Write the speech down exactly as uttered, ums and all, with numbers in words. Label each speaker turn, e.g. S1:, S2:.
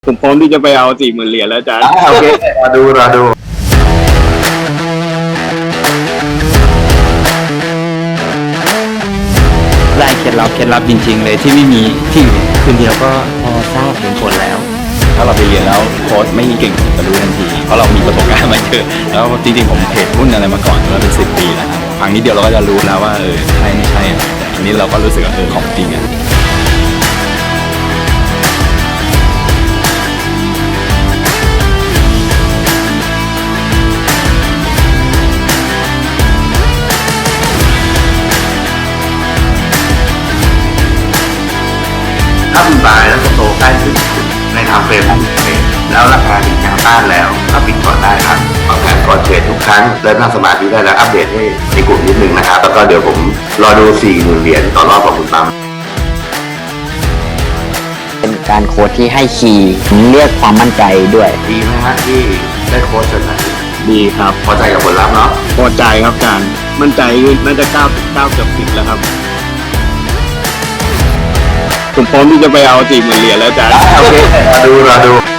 S1: ผมพร้อมที่จะไปเอาสี่หมื่นเหรียญแล้วอาจารย์
S2: โอเครอดูรอดู
S3: ได้เคล็ดลับเคล็ดลับจริงๆเลยที่ไม่มีที่อื่นคืนเดียวก็พอทราบเห็นผลแล้วถ้าเราไปเรียนแล้วโค้ชไม่เก่งจะรู้ทันทีเพราะเรามีประสบการณ์มาเยอะแล้วจริงๆผมเทรดหุ้นอะไรมาก่อนมาเป็นสิบปีแล้วครับฟังนิดเดียวเราก็จะรู้แล้วว่าเออใช่ไม่ใช่แต่ทีนี้เราก็รู้สึกว่าเออของจริงอ่ะ
S2: ถ้าคุณบายแล้วก็โตใกล้ถึงในทางเฟรมของเทรดแล้วราคาถึงแนวต้านแล้วก็ปิดก่อนได้ครับวางแผนก่อนเทรดทุกครั้งเริ่มนั่งสมาธิได้แล้วอัปเดตให้ในกลุ่มนิดนึงนะครับแล้วก็เดี๋ยวผมรอดูสี่หมื่นเหรียญต่อรอบของคุณปั๊ม
S4: เป็นการโค้ชที่ให้คีย์เรียกความมั่นใจด้วย
S2: ดีไหมฮะที่ได้โค้ชจนนาที
S1: ดีครับ
S2: พอใจกับผลลัพธ์เนาะ
S1: พอใจครับอาจารย์มั่นใจน่าจะเก้าเก้าเกือบสิบแล้วครับผมพร้อมที่จะไปเอาสี่หมื่นเหรียญแล้วอาจารย์
S2: โอเครอดูรอดู